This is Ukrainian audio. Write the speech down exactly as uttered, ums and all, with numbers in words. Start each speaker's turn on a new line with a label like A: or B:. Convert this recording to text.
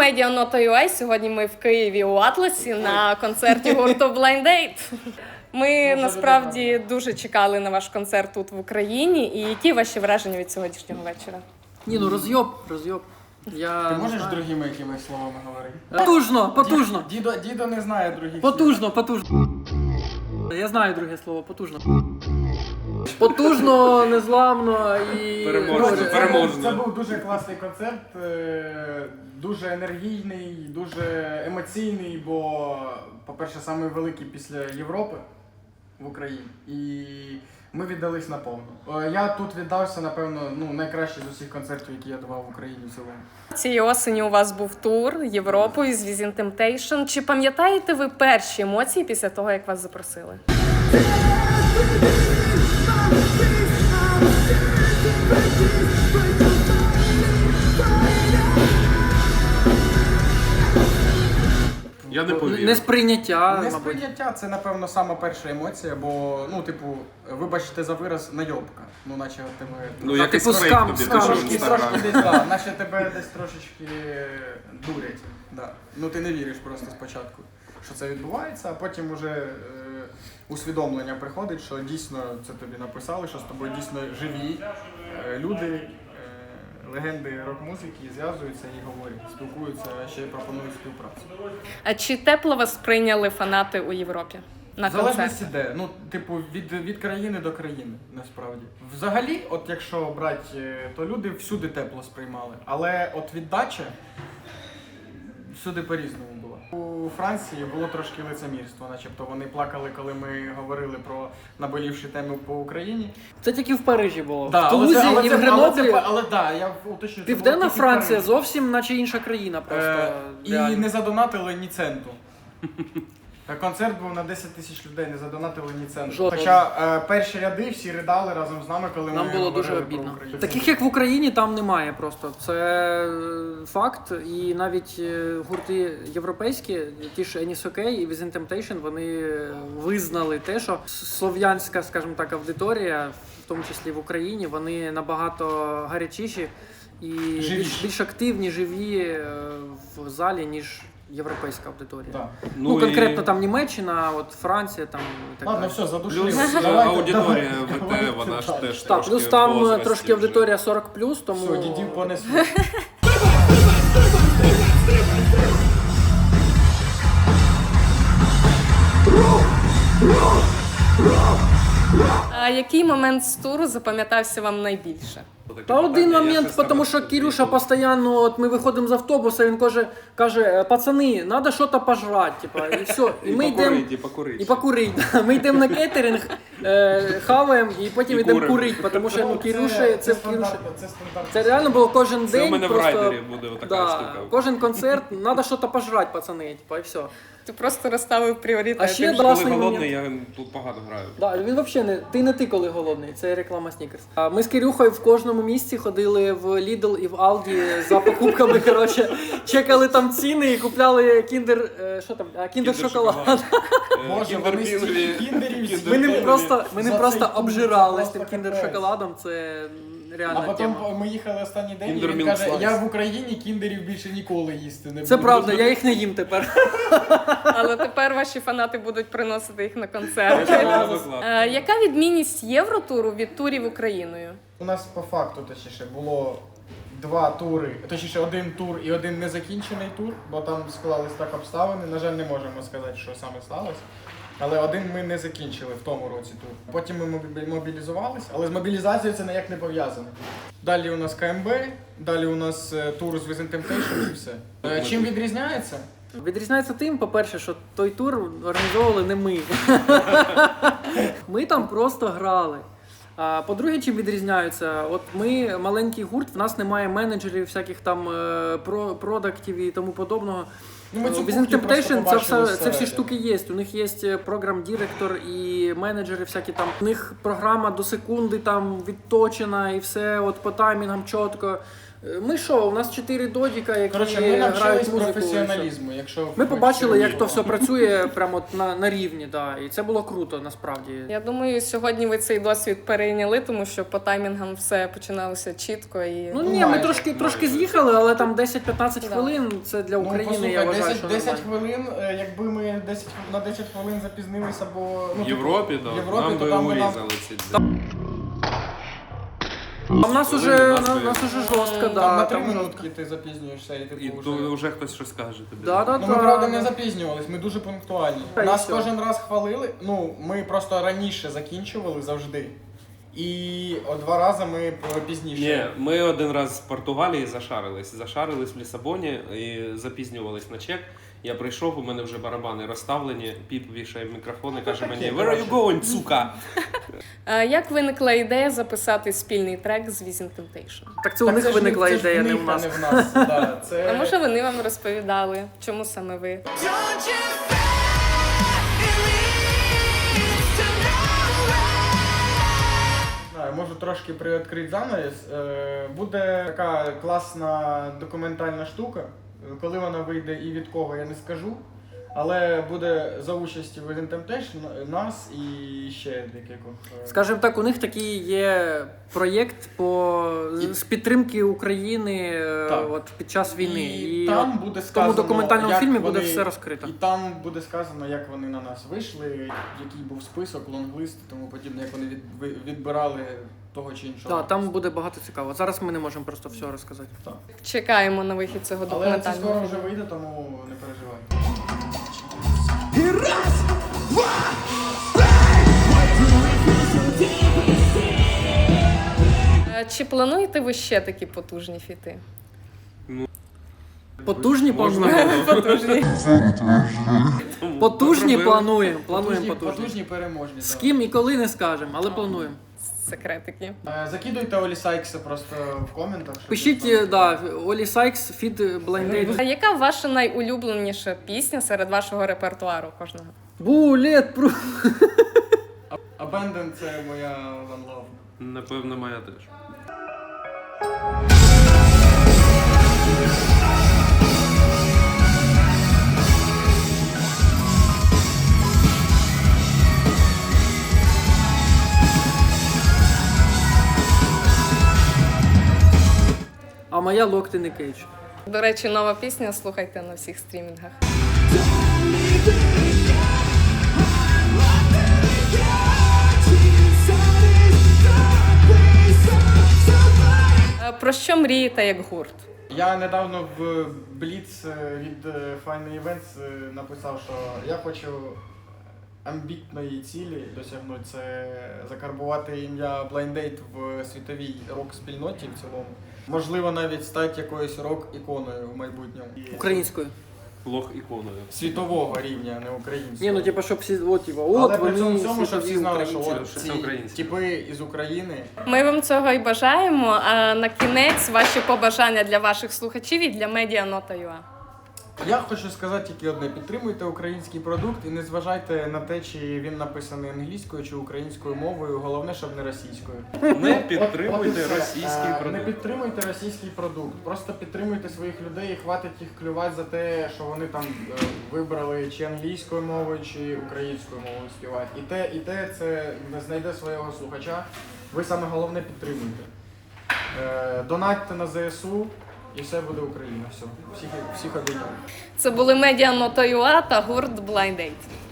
A: Media Nota.ua. Сьогодні ми в Києві у Атласі на концерті гурту Blind Date. Ми насправді дуже чекали на ваш концерт тут в Україні. І які ваші враження від сьогоднішнього вечора?
B: Ні, ну роз'єб, роз'єб. Я
C: Ти
B: не
C: можеш
B: знаю.
C: другими якимись словами говорити?
B: Потужно, потужно.
C: Дідо, дідо не знає других слів.
B: Потужно, потужно. Я знаю друге слово, потужно. Потужно, незламно і...
D: Переможно,
C: Коротше, це,
D: переможно.
C: був, це був дуже класний концерт, е, дуже енергійний, дуже емоційний, бо, по-перше, самий великий після Європи в Україні. І ми віддались наповну. Е, Я тут віддався, напевно, ну, найкраще з усіх концертів, які я давав в Україні в цілому.
A: Цієї осені у вас був тур Європою з Within Temptation. Чи пам'ятаєте ви перші емоції після того, як вас запросили?
D: Я не повірю.
B: Несприйняття, мабуть.
C: Несприйняття – це, напевно, сама перша емоція, бо, ну, типу, вибачте за вираз, найобка. Ну, наче тебе...
D: Ну,
B: А,
D: якийсь
B: типу,
D: фейк
B: скам,
D: тобі
B: скам.
D: пише в
C: Трошки,
D: Інстаграмі.
C: трошки десь, да, наче тебе десь трошечки дурять. Да. Ну ти не віриш просто спочатку, що це відбувається, а потім уже е, усвідомлення приходить, що дійсно це тобі написали, що з тобою дійсно живі е, люди, е, легенди рок-музики зв'язуються і говорять, спілкуються, а ще й пропонують співпрацю.
A: А чи тепло вас прийняли фанати у Європі на
C: В залежності
A: концерт?
C: де, ну, типу, від, від країни до країни, насправді. Взагалі, от якщо брати, е, то люди всюди тепло сприймали. Але от віддача всюди по-різному була. У Франції було трошки лицемірство, начебто вони плакали, коли ми говорили про наболівші теми по Україні.
B: Це тільки в Парижі було.
C: Да,
B: В
C: але
B: Тулузі
C: це- але
B: і в
C: це-
B: Греноблі.
C: Але, це- але да, я уточню, це було
B: Південна
C: тільки в
B: Франція
C: Парижі.
B: зовсім наче інша країна просто.
C: Е, І
B: реально.
C: не задонатили ні центу. Та концерт був на десять тисяч людей, не задонатили ні центу.
B: Жодного.
C: Хоча е, перші ряди всі ридали разом з нами, коли
B: Нам
C: ми
B: було дуже
C: говорили про
B: обідно.
C: Україну.
B: Таких як в Україні там немає просто. Це е, факт. І навіть е, гурти європейські, ті ж Anis OK і Within Temptation, вони визнали те, що слов'янська, скажімо так, аудиторія, в тому числі в Україні, вони набагато гарячіші і більш,
C: Живіші.
B: більш активні, живі е, в залі, ніж європейська аудиторія.
C: Так.
B: Ну,
D: і
B: конкретно там Німеччина, от Франція там і так
C: Ладно,
B: далі.
C: все, задушили.
D: Плюс е,
C: Давайте,
D: аудиторія
C: давайте,
D: ВТ,
C: давайте
D: вона ж
C: далі.
D: теж
B: Так,
D: трошки
B: плюс
D: в
B: там
D: возрасті
B: трошки
D: вже.
B: аудиторія сорок плюс, тому
C: Все, дідів понесли.
A: А який момент з туру запам'ятався вам найбільше?
B: Та один момент, тому що Кирюша постійно, от ми виходимо з автобуса, він каже, каже, пацани, треба щось пожрати, типа, і все. І,
D: І
B: ми йдемо
D: покурить, і покурить.
B: і покурить. Да. Ми йдемо на кейтеринг, е, хаваємо і потім
D: І
B: йдемо
D: куримо.
B: курити, тому що ну,
C: Це-
B: Кирюша, це в Кирюші.
C: стандартно, це стандартно.
B: Це реально було кожен
D: Це
B: день.
D: у мене в
B: просто,
D: райдері буде така
B: да,
D: штука.
B: кожен концерт, треба щось пожрати, пацани, типа, і все.
A: Ти просто розставив пріоритети.
B: А ще
D: Коли
B: класний
D: голодний, я тут погано граю.
B: Да, він взагалі не ти не ти, коли голодний. Це реклама Снікерс. А ми з Кирюхою в кожному місці ходили в Lidl і в Aldi за покупками. Коротше, чекали там ціни і купляли кіндер. е, Що там? А, кіндер шоколад.
C: Боже, вони стільки кіндерів
B: Ми ним
C: з'їли.
B: просто, ми ним
C: За
B: просто
C: цей тур,
B: обжирались
C: це
B: тим
C: просто
B: кіндер
C: капець.
B: шоколадом. Це реальна
C: А потім
B: тема.
C: ми їхали останній день, і
D: Kinder
C: він
D: Milk
C: каже,
D: Slice.
C: я в Україні кіндерів більше ніколи їсти не буду.
B: Це правда, я їх не їм тепер.
A: Але тепер ваші фанати будуть приносити їх на концерти.
D: Це класно.
A: Е, Яка відмінність євротуру від турів Україною?
C: У нас по факту, точніше, було два тури, точніше один тур і один незакінчений тур, бо там склались так обставини. На жаль, не можемо сказати, що саме сталося. Але один ми не закінчили в тому році тур. Потім ми мобі- мобілізувались, але з мобілізацією це ніяк не пов'язано. Далі у нас КМБ, далі у нас е, тур з Within Temptation і все. Е, Чим відрізняється?
B: Відрізняється тим, по-перше, що той тур організовували не ми. Ми там просто грали. А по-друге, чим відрізняються? От ми маленький гурт, в нас немає менеджерів, всяких там е, про- продактів і тому подобного.
C: Ну, ми цю
B: Within
C: кухню просто
B: Temptation це,
C: побачили
B: все, це всі
C: зсередини.
B: штуки є. У них є програм-директор і менеджери всякі там. У них програма до секунди там відточена і все от по таймінгам чітко. Ми що, у нас чотири додіка, які
C: Коротше, ми
B: грають
C: навчились
B: музику. і все.
C: професіоналізму. Якщо
B: Ми
C: хочете
B: побачили, як то
C: розуміти.
B: все працює прямо от на, на рівні, да. І це було круто, насправді.
A: Я думаю, сьогодні ви цей досвід перейняли, тому що по таймінгам все починалося чітко і
B: Ну
C: Ну,
B: ні, ми
C: майже,
B: трошки, трошки
C: майже.
B: з'їхали, але там десять-п'ятнадцять
A: Да.
B: хвилин це для
C: Ну,
B: України,
C: послухай,
B: я вважаю,
C: десять,
B: що
C: десять
B: нормально.
C: хвилин, е, якби ми десять, на десять хвилин запізнилися, бо... Ну,
D: В Європі,
C: типу,
D: да.
C: в Європі,
D: Нам
C: то
D: би
C: там би нам-
D: урізали ці.
B: А в нас
D: Хвилини,
B: уже,
D: нас
B: на,
D: би-
B: нас уже жорстко,
C: Там
B: да.
C: на три
B: там
C: минутки
B: жорстко.
C: ти запізнюєшся і типу
D: І
C: вже...
D: то вже хтось щось скаже тобі.
B: Да, да,
C: Ну,
B: да.
C: ми, правда, не запізнювались, ми дуже пунктуальні.
B: Та й
C: Нас
B: все.
C: кожен раз хвалили, ну, ми просто раніше закінчували завжди. І о, два рази ми пізніше.
D: Ні, ми один раз з Португалії зашарились. Зашарились в Лісабоні і запізнювались на чек. Я прийшов, у мене вже барабани розставлені, піп вішає мікрофон і каже
C: таке,
D: мені «Where are you
C: коротше».
D: going, сука?»
A: Е, як виникла ідея записати спільний трек з Within Temptation?
B: Так це у
C: Так
B: них
C: це ж не-
B: виникла
C: це ж в
B: ідея, не
C: них,
B: в нас.
C: а не в нас. Да, це...
A: А може вони вам розповідали, чому саме ви?
E: Don't you fear, it leads to nowhere.
C: знаю, можу трошки приоткрити занавіс. Е, Буде така класна документальна штука. Коли вона вийде і від кого, я не скажу. Але буде за участі Within Temptation, нас і ще декількох. е,
B: Скажімо так, у них такий є проєкт по з підтримки України е,
C: Так.
B: от під час війни.
C: І,
B: І,
C: там
B: от
C: буде
B: в
C: сказано,
B: тому документальному
C: як
B: фільмі
C: вони-
B: буде все розкрито.
C: І там буде сказано, як вони на нас вийшли, який був список, лонглист і тому подібне, як вони від, ви- відбирали того чи іншого.
B: Так, там буде багато цікавого. Зараз ми не можемо просто все розказати.
C: Так.
A: Чекаємо на вихід цього
C: Але це
A: документального
C: скоро
A: фільму.
C: вже вийде, тому не переживай.
A: Е, Чи плануєте ви ще такі потужні фіти?
B: Потужні
D: Можна
B: плануємо.
D: було.
A: Потужні.
D: Тому
B: Потужні
D: зробили.
B: плануємо. Плануємо
C: Потужні,
B: потужні.
C: потужні переможні.
B: З
C: да.
B: ким і коли не скажемо, але плануємо.
A: Секретики.
C: Е, Закидуйте Олі Сайкса просто в коментах. щоб
B: Пишіть,
C: він знав.
B: да, Олі Сайкс, фід Blind Date.
A: А яка ваша найулюбленіша пісня серед вашого репертуару кожного?
B: Булет пру.
C: Abandon – це моя One Love.
D: Напевно, моя теж.
B: А моя Locked in a Cage.
A: До речі, нова пісня, слухайте на всіх стрімінгах. Е, Про що мрієте як гурт?
C: Я недавно в Blitz е, від е, Final Events е, написав, що я хочу амбітної цілі досягнути, це закарбувати ім'я Blind Date в світовій рок-спільноті в цілому. Можливо, навіть стати якоюсь рок-іконою в майбутньому.
B: Українською.
D: Лох іконою.
C: Світового рівня, а не українського.
B: Ні, ну типа, щоб всі, от, типа, от
C: Але при
B: вони
C: цьому всьому, щоб
B: світові
C: всі знали, що
B: українці.
C: от
D: що це
C: ці
D: українці.
C: типи із України.
A: Ми вам цього і бажаємо. А на кінець ваші побажання для ваших слухачів і для медіа Нота ю а.
C: Я хочу сказати тільки одне: підтримуйте український продукт і не зважайте на те, чи він написаний англійською чи українською мовою. Головне, щоб не російською.
D: Не
C: От-
D: підтримуйте
C: от і все.
D: російський
C: Е, Не
D: продукт.
C: підтримуйте російський продукт. Просто підтримуйте своїх людей і хватить їх клювати за те, що вони там е, вибрали чи англійською мовою, чи українською мовою співати. І те, і те це знайде свого слухача. Ви саме головне підтримуйте. Е, Донатьте на зе ес у і все буде Україна. Все. Всіх, всіх обійняв.
A: Це були медіа Нота ю а та гурт Blind Date.